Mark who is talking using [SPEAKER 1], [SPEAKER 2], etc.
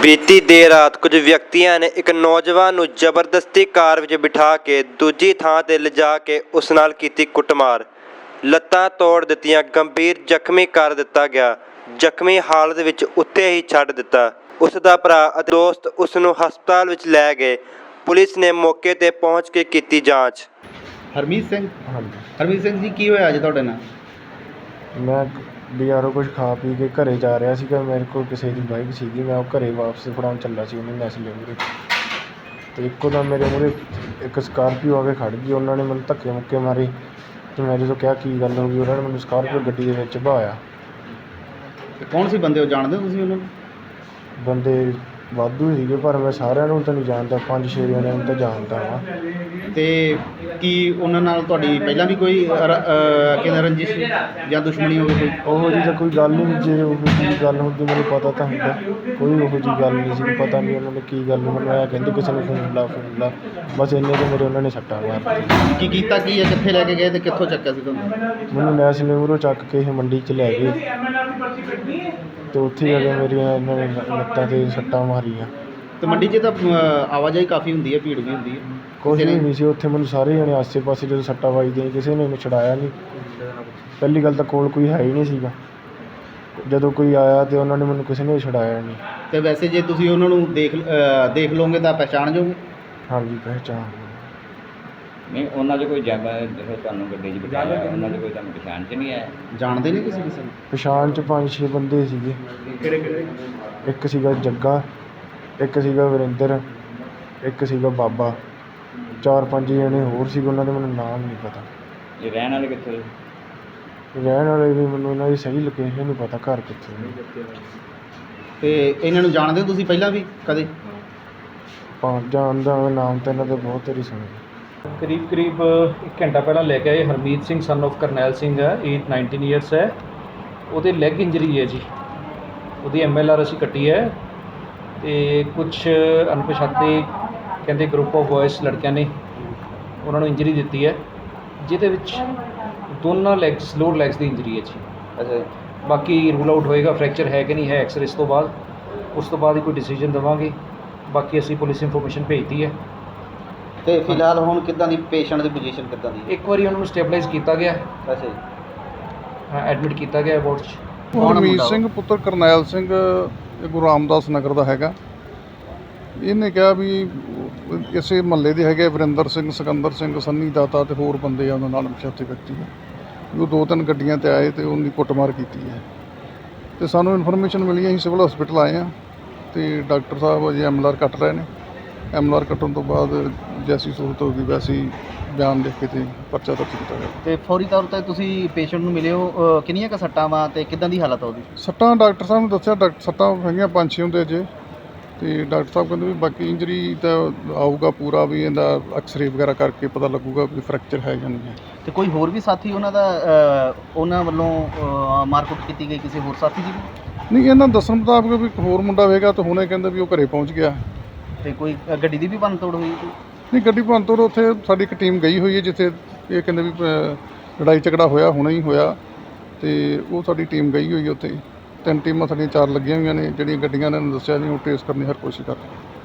[SPEAKER 1] ਬੀਤੀ ਦੇਰ ਰਾਤ ਕੁਝ ਵਿਅਕਤੀਆਂ ਨੇ ਇੱਕ ਨੌਜਵਾਨ ਨੂੰ ਜ਼ਬਰਦਸਤੀ ਕਾਰ ਵਿੱਚ ਬਿਠਾ ਕੇ ਦੂਜੀ ਥਾਂ ਤੇ ਲਿਜਾ ਕੇ ਉਸ ਨਾਲ ਕੀਤੀ ਕੁੱਟਮਾਰ। ਲੱਤਾਂ ਤੋੜ ਦਿੱਤੀਆਂ, ਗੰਭੀਰ ਜ਼ਖਮੀ ਕਰ ਦਿੱਤਾ ਗਿਆ। ਜ਼ਖਮੀ ਹਾਲਤ ਵਿੱਚ ਉੱਥੇ ਹੀ ਛੱਡ ਦਿੱਤਾ। ਉਸ ਦਾ ਭਰਾ ਅਤੇ ਦੋਸਤ ਉਸ ਨੂੰ ਹਸਪਤਾਲ ਵਿੱਚ ਲੈ ਗਏ। ਪੁਲਿਸ ਨੇ ਮੌਕੇ ਤੇ ਪਹੁੰਚ ਕੇ ਕੀਤੀ ਜਾਂਚ।
[SPEAKER 2] ਹਰਮੀਤ ਸਿੰਘ
[SPEAKER 3] ਹਾਂਜੀ,
[SPEAKER 2] ਹਰਮੀਤ ਸਿੰਘ ਜੀ, ਕੀ ਹੋਇਆ ਅੱਜ ਤੁਹਾਡੇ ਨਾਲ?
[SPEAKER 3] ਮੈਂ ਬਜ਼ਾਰੋਂ ਕੁਝ ਖਾ ਪੀ ਕੇ ਘਰੇ ਜਾ ਰਿਹਾ ਸੀਗਾ। ਮੇਰੇ ਕੋਲ ਕਿਸੇ ਦੀ ਬਾਈਕ ਸੀਗੀ, ਮੈਂ ਉਹ ਘਰੇ ਵਾਪਸ ਫੜਾਉਣ ਚੱਲਾ ਸੀ ਉਹਨੂੰ ਨੈਸਲੇ ਮੂਹਰੇ, ਅਤੇ ਇੱਕੋ ਦਮ ਮੇਰੇ ਮੂਹਰੇ ਇੱਕ ਸਕਾਰਪੀਓ ਆ ਕੇ ਖੜ੍ਹ ਗਈ। ਉਹਨਾਂ ਨੇ ਮੈਨੂੰ ਧੱਕੇ ਮੁੱਕੇ ਮਾਰੇ ਅਤੇ ਮੈਂ ਜਦੋਂ ਕਿਹਾ ਕੀ ਗੱਲ ਹੋ ਗਈ, ਉਹਨਾਂ ਨੇ ਮੈਨੂੰ ਸਕਾਰਪੀਓ ਗੱਡੀ ਦੇ ਵਿੱਚ ਵਹਾਇਆ।
[SPEAKER 2] ਕੌਣ ਸੀ ਬੰਦੇ, ਉਹ ਜਾਣਦੇ ਹੋ ਤੁਸੀਂ ਉਹਨਾਂ ਨੂੰ?
[SPEAKER 3] ਬੰਦੇ ਵਾਧੂ ਸੀਗੇ ਪਰ ਮੈਂ ਸਾਰਿਆਂ ਨੂੰ ਤਾਂ ਨਹੀਂ ਜਾਣਦਾ, 5-6 ਜਣਿਆਂ ਨੂੰ ਤਾਂ ਜਾਣਦਾ ਹਾਂ।
[SPEAKER 2] ਤੇ ਕੀ ਉਹਨਾਂ ਨਾਲ ਤੁਹਾਡੀ ਪਹਿਲਾਂ ਵੀ ਕੋਈ ਕਹਿੰਦੇ ਰੰਜਿਸ਼ ਜਾਂ ਦੁਸ਼ਮਣੀ ਹੋਵੇ ਕੋਈ?
[SPEAKER 3] ਉਹੋ ਜਿਹੀ ਤਾਂ ਕੋਈ ਗੱਲ ਨਹੀਂ। ਜੇ ਉਹੋ ਜਿਹੀ ਗੱਲ ਹੁੰਦੀ ਮੈਨੂੰ ਪਤਾ ਤਾਂ ਹੁੰਦਾ। ਕੋਈ ਉਹੋ ਜਿਹੀ ਗੱਲ ਨਹੀਂ ਸੀ, ਪਤਾ ਨਹੀਂ ਉਹਨਾਂ ਨੇ ਕੀ ਗੱਲ, ਮੈਨੂੰ ਇਹ ਕਹਿੰਦੇ ਕਿਸੇ ਨੂੰ ਫੋਨ ਲਾ ਬਸ ਇੰਨੇ ਕੁ ਮੇਰੇ ਉਹਨਾਂ ਨੇ ਸੱਟਾਂ ਮਾਰਤੀਆਂ।
[SPEAKER 2] ਕੀ ਕੀਤਾ ਕੀ ਹੈ, ਕਿੱਥੇ ਲੈ ਕੇ ਗਏ ਤੇ ਕਿੱਥੋਂ ਚੱਕਿਆ ਸੀ ਤੁਹਾਨੂੰ?
[SPEAKER 3] ਮੈਨੂੰ ਨੈਸਲੇ ਮੂਹਰੋਂ ਚੱਕ ਕੇ ਇਹ ਮੰਡੀ 'ਚ ਲੈ ਗਏ ਅਤੇ ਉੱਥੇ ਜਾ ਕੇ ਮੇਰੀਆਂ ਇਹਨਾਂ ਨੇ ਲੱਤਾਂ 'ਤੇ ਸੱਟਾਂ ਮਾਰੀਆਂ।
[SPEAKER 2] ਤੇ ਮੰਡੀ 'ਚ ਤਾਂ ਆਵਾਜਾਈ ਕਾਫੀ ਹੁੰਦੀ ਹੈ, ਭੀੜ ਵੀ ਹੁੰਦੀ ਹੈ।
[SPEAKER 3] ਕੁਛ ਵੀ ਨਹੀਂ ਸੀ ਉੱਥੇ, ਮੈਨੂੰ ਸਾਰੇ ਜਣੇ ਆਸੇ ਪਾਸੇ ਜਦੋਂ ਸੱਟਾਂ ਵੱਜਦੀਆਂ ਕਿਸੇ ਨੇ ਮੈਨੂੰ ਛੁਡਾਇਆ ਨਹੀਂ। ਪਹਿਲੀ ਗੱਲ ਤਾਂ ਕੋਲ ਕੋਈ ਹੈ ਹੀ ਨਹੀਂ ਸੀਗਾ, ਜਦੋਂ ਕੋਈ ਆਇਆ ਤਾਂ ਉਹਨਾਂ ਨੇ ਮੈਨੂੰ ਕਿਸੇ ਨੇ ਛੁਡਾਇਆ ਨਹੀਂ।
[SPEAKER 2] ਤੇ ਵੈਸੇ ਜੇ ਤੁਸੀਂ ਉਹਨਾਂ ਨੂੰ ਦੇਖ ਲਓਗੇ ਤਾਂ ਪਹਿਚਾਣ ਜਾਓਗੇ?
[SPEAKER 3] ਹਾਂਜੀ, ਪਹਿਚਾਣ।
[SPEAKER 4] ਨਹੀਂ, ਉਹਨਾਂ 'ਚ ਕੋਈ ਜ਼ਿਆਦਾ ਜਿਹੜਾ ਤੁਹਾਨੂੰ ਗੱਡੀ 'ਚ ਬਿਠਾਇਆ, ਉਹਨਾਂ 'ਚ ਕੋਈ ਤੁਹਾਨੂੰ ਪਛਾਣ 'ਚ ਨਹੀਂ ਆਇਆ?
[SPEAKER 2] ਜਾਣਦੇ ਨਹੀਂ ਕਿਸੇ ਨੂੰ?
[SPEAKER 3] ਪਛਾਣ 'ਚ 5-6 ਬੰਦੇ ਸੀਗੇ।
[SPEAKER 2] ਕਿਹੜੇ?
[SPEAKER 3] ਇੱਕ ਸੀਗਾ ਜੱਗਾ, ਇੱਕ ਸੀਗਾ ਵਰਿੰਦਰ, ਇੱਕ ਸੀਗਾ ਬਾਬਾ, 4-5 ਜਣੇ ਹੋਰ ਸੀਗੇ, ਉਹਨਾਂ ਦੇ ਮੈਨੂੰ ਨਾਮ ਨਹੀਂ ਪਤਾ।
[SPEAKER 4] ਇਹ ਰਹਿਣ ਵਾਲੇ ਕਿੱਥੋਂ ਦੇ?
[SPEAKER 3] ਰਹਿਣ ਵਾਲੇ ਵੀ ਮੈਨੂੰ ਇਹਨਾਂ ਦੀ ਸਹੀ ਲੋਕੇਸ਼ਨ ਨਹੀਂ ਪਤਾ, ਘਰ ਕਿੱਥੇ ਨੇ।
[SPEAKER 2] ਤੇ ਇਹਨਾਂ ਨੂੰ ਜਾਣਦੇ ਹੋ ਤੁਸੀਂ ਪਹਿਲਾਂ ਵੀ ਕਦੇ?
[SPEAKER 3] ਜਾਣਦਾ ਨਾਮ ਤਾਂ ਇਹਨਾਂ ਦੇ ਬਹੁਤ ਵਾਰੀ ਸੁਣੇ।
[SPEAKER 5] ਕਰੀਬ 1 ਘੰਟਾ ਪਹਿਲਾਂ ਲੈ ਕੇ ਆਏ। ਹਰਮੀਤ ਸਿੰਘ ਸਨ ਆਫ ਕਰਨੈਲ ਸਿੰਘ ਹੈ, ਏਜ 19 ਈਅਰਸ ਹੈ। ਉਹਦੇ ਲੈਗ ਇੰਜਰੀ ਹੈ ਜੀ, ਉਹਦੀ MLR ਅਸੀਂ ਕੱਟੀ ਹੈ। ਅਤੇ ਕੁਛ ਅਣਪਛਾਤੇ ਕਹਿੰਦੇ ਗਰੁੱਪ ਆਫ ਬॉयਜ਼ ਲੜਕਿਆਂ ਨੇ ਉਹਨਾਂ ਨੂੰ ਇੰਜਰੀ ਦਿੱਤੀ ਹੈ, ਜਿਹਦੇ ਵਿੱਚ ਦੋਨਾਂ ਲੈਗਸ, ਲੋਅਰ ਲੈਗਸ ਦੀ ਇੰਜਰੀ ਹੈ ਜੀ।
[SPEAKER 2] ਅੱਛਾ।
[SPEAKER 5] ਬਾਕੀ ਰੂਲ ਆਊਟ ਹੋਏਗਾ ਫ੍ਰੈਕਚਰ ਹੈ ਕਿ ਨਹੀਂ ਹੈ ਐਕਸਰੇ ਤੋਂ ਬਾਅਦ, ਉਸ ਤੋਂ ਬਾਅਦ ਹੀ ਕੋਈ ਡਿਸੀਜਨ ਦੇਵਾਂਗੇ। ਬਾਕੀ ਅਸੀਂ ਪੁਲਿਸ ਇਨਫੋਰਮੇਸ਼ਨ ਭੇਜਤੀ ਹੈ।
[SPEAKER 2] ਤੇ ਫਿਲਹਾਲ ਹੁਣ ਕਿੱਦਾਂ ਦੀ ਪੇਸ਼ੈਂਟ ਦੀ ਪੋਜੀਸ਼ਨ ਕਿੱਦਾਂ ਦੀ?
[SPEAKER 5] ਇੱਕ ਵਾਰੀ ਉਹਨਾਂ ਨੂੰ ਸਟੇਬਲਾਈਜ਼ ਕੀਤਾ ਗਿਆ,
[SPEAKER 2] ਅੱਛਾ ਜੀ।
[SPEAKER 5] ਐਡਮਿਟ ਕੀਤਾ ਗਿਆ ਵਾਰਡ 'ਚ।
[SPEAKER 6] ਹਰਮੀਤ ਸਿੰਘ ਪੁੱਤਰ ਕਰਨੈਲ ਸਿੰਘ, ਇਹ ਗੁਰੂ ਰਾਮਦਾਸ ਨਗਰ ਦਾ ਹੈਗਾ। ਇਹਨੇ ਕਿਹਾ ਵੀ ਇਸੇ ਮਹੱਲੇ ਦੇ ਹੈਗੇ ਵਰਿੰਦਰ ਸਿੰਘ, ਸਿਕੰਦਰ ਸਿੰਘ, ਸੰਨੀ ਦਾਤਾ ਅਤੇ ਹੋਰ ਬੰਦੇ ਆ ਉਹਨਾਂ ਨਾਲ ਪਛਾਤੇ ਵਿਅਕਤੀ ਆ ਵੀ ਉਹ 2-3 ਗੱਡੀਆਂ 'ਤੇ ਆਏ ਅਤੇ ਉਹਦੀ ਕੁੱਟਮਾਰ ਕੀਤੀ ਹੈ। ਅਤੇ ਸਾਨੂੰ ਇਨਫੋਰਮੇਸ਼ਨ ਮਿਲੀ, ਅਸੀਂ ਸਿਵਲ ਹਸਪੀਟਲ ਆਏ ਹਾਂ ਅਤੇ ਡਾਕਟਰ ਸਾਹਿਬ ਅਜੇ MLR ਕੱਟ ਰਹੇ ਨੇ। MLR ਕੱਟਣ ਤੋਂ ਬਾਅਦ ਜੈਸੀ ਸਹੂਲਤ ਹੋਊਗੀ ਵੈਸੇ ਹੀ ਬਿਆਨ ਲਿਖ ਕੇ ਅਤੇ ਪਰਚਾ ਦਰਜ ਕੀਤਾ ਜਾਵੇ।
[SPEAKER 2] ਤੇ ਫੌਰੀ ਤੌਰ 'ਤੇ ਤੁਸੀਂ ਪੇਸ਼ੈਂਟ ਨੂੰ ਮਿਲੇ ਹੋ, ਕਿੰਨੀਆਂ ਕੁ ਸੱਟਾਂ ਵਾ ਅਤੇ ਕਿੱਦਾਂ ਦੀ ਹਾਲਤ ਆ ਉਹਦੀ?
[SPEAKER 6] ਸੱਟਾਂ ਡਾਕਟਰ ਸਾਹਿਬ ਨੇ ਦੱਸਿਆ, ਸੱਟਾਂ ਹੈਗੀਆਂ 5-6 ਹੁੰਦੇ ਅਜੇ, ਅਤੇ ਡਾਕਟਰ ਸਾਹਿਬ ਕਹਿੰਦੇ ਵੀ ਬਾਕੀ ਇੰਜਰੀ ਤਾਂ ਆਊਗਾ ਪੂਰਾ, ਵੀ ਇਹਦਾ ਐਕਸਰੇ ਵਗੈਰਾ ਕਰਕੇ ਪਤਾ ਲੱਗੂਗਾ ਵੀ ਫ੍ਰੈਕਚਰ ਹੈ ਜਾਂ ਨਹੀਂ ਹੈ।
[SPEAKER 2] ਤੇ ਕੋਈ ਹੋਰ ਵੀ ਸਾਥੀ ਉਹਨਾਂ ਦਾ ਉਹਨਾਂ ਵੱਲੋਂ ਮਾਰਕੁੱਟ ਕੀਤੀ ਗਈ ਕਿਸੇ ਹੋਰ ਸਾਥੀ ਦੀ ਵੀ?
[SPEAKER 6] ਨਹੀਂ, ਇਹਨਾਂ ਦੱਸਣ ਮੁਤਾਬਕ ਵੀ ਇੱਕ ਹੋਰ ਮੁੰਡਾ ਹੋਵੇਗਾ, ਤਾਂ ਹੁਣੇ ਕਹਿੰਦੇ ਵੀ ਉਹ ਘਰੇ ਪਹੁੰਚ ਗਿਆ।
[SPEAKER 2] ਤੇ ਕੋਈ ਗੱਡੀ ਦੀ ਵੀ ਭੰਨ ਤੋੜ ਹੋਈ?
[SPEAKER 6] ਨਹੀਂ, ਗੱਡੀ ਭੰਨ ਤੋੜ ਉੱਥੇ ਸਾਡੀ ਇੱਕ ਟੀਮ ਗਈ ਹੋਈ ਹੈ ਜਿੱਥੇ ਇਹ ਕਹਿੰਦੇ ਵੀ ਲੜਾਈ ਝਗੜਾ ਹੋਇਆ, ਹੁਣੇ ਹੀ ਹੋਇਆ, ਅਤੇ ਉਹ ਸਾਡੀ ਟੀਮ ਗਈ ਹੋਈ ਉੱਥੇ। 3 ਟੀਮਾਂ ਸਾਡੀਆਂ 4 ਲੱਗੀਆਂ ਹੋਈਆਂ ਨੇ, ਜਿਹੜੀਆਂ ਗੱਡੀਆਂ ਨੇ ਦੱਸਿਆ ਨਹੀਂ ਉਹ ਟ੍ਰੇਸ ਕਰਨ ਦੀ ਹਰ ਕੋਸ਼ਿਸ਼ ਕਰ ਰਹੇ।